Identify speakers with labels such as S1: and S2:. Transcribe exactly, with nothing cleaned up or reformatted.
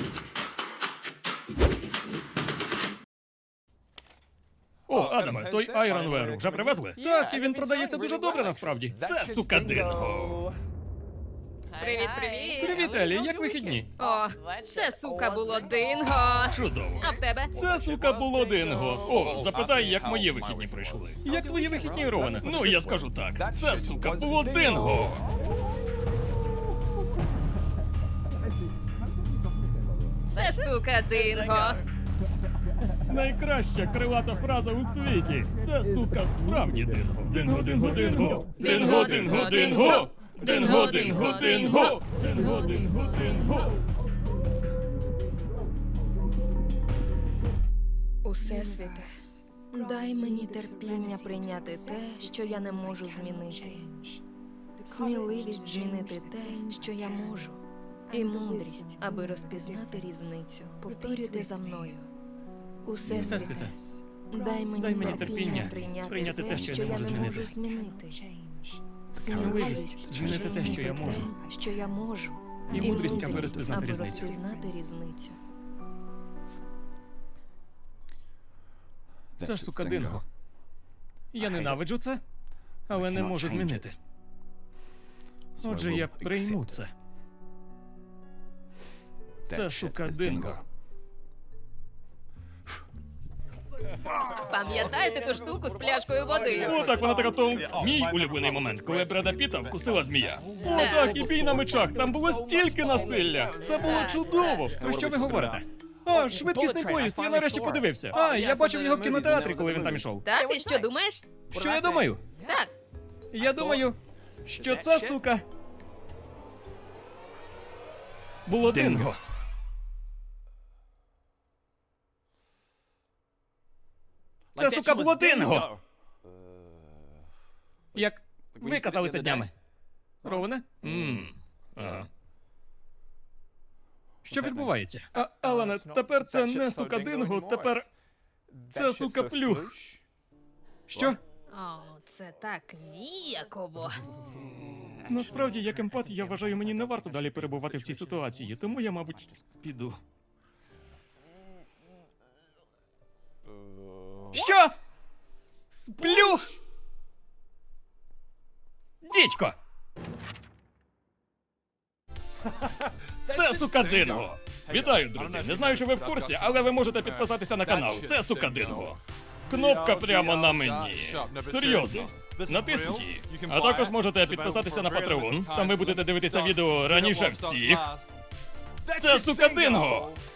S1: О, Адаме, той Айронвер вже привезли? Так, і він продається дуже добре насправді. Це сука Динго.
S2: Привіт, привіт.
S1: Привіт, Елі, як вихідні?
S2: О, це сука було динго.
S1: Чудово.
S2: А в тебе?
S1: Це, сука, було Динго. О, запитай, як мої вихідні пройшли. Як твої вихідні, Роване? Ну, я скажу так. Це, сука, було Динго.
S2: Це сука динго.
S1: Найкраща крилата фраза у світі. Це, сука, справді Динго. Динго, Динго, Динго. Динго, Динго, Динго. Динго, Динго, Динго. Динго, Динго, Динго.
S2: Усесвіте, дай мені терпіння прийняти те, що я не можу змінити. Сміливість змінити те, що я можу. І мудрість, аби розпізнати різницю. Повторюйте за мною. Усесвіте,
S1: Всесвіте,
S2: дай мені,
S1: дай мені
S2: терпіння
S1: терпіння
S2: прийняти те, що я не можу змінити.
S1: Сміливість змінити те, що я можу.
S2: Що я можу.
S1: І мудрість, аби розпізнати
S2: аби
S1: різницю.
S2: розпізнати різницю.
S1: Це, сука, Динго. Я ненавиджу це, але не можу змінити. Отже, я прийму це. Це, сука, Динго.
S2: Пам'ятаєте ту штуку з пляшкою води?
S1: О, так, вона така то... Мій улюблений момент, коли Бреда Піта вкусила змія. О, так, і бій на мечах, там було стільки насилля. Це було чудово. Про що ви говорите? А, швидкісний поїзд, я нарешті подивився. А, я бачив його в кінотеатрі, коли він там ішов.
S2: Так, і що думаєш?
S1: Що я думаю?
S2: Так.
S1: Я думаю, що це, сука, було Динго. Це, сука, було Динго! Як ви казали це днями. Роване? Ммм. Ага. Що відбувається? А, Алане, тепер це не сука Динго, тепер це сука плюх. Що?
S2: О, це так ніяково.
S1: Насправді, як емпат, я вважаю, мені не варто далі перебувати в цій ситуації, тому я, мабуть, піду. Що? Плюх! Дідько! Це сука Динго! Вітаю, друзі! Не знаю, чи ви в курсі, але ви можете підписатися на канал. Це сука Динго. Кнопка прямо на мені. Серйозно. Натисніть її. А також можете підписатися на Patreon. Там ви будете дивитися відео раніше всіх. Це сука Динго!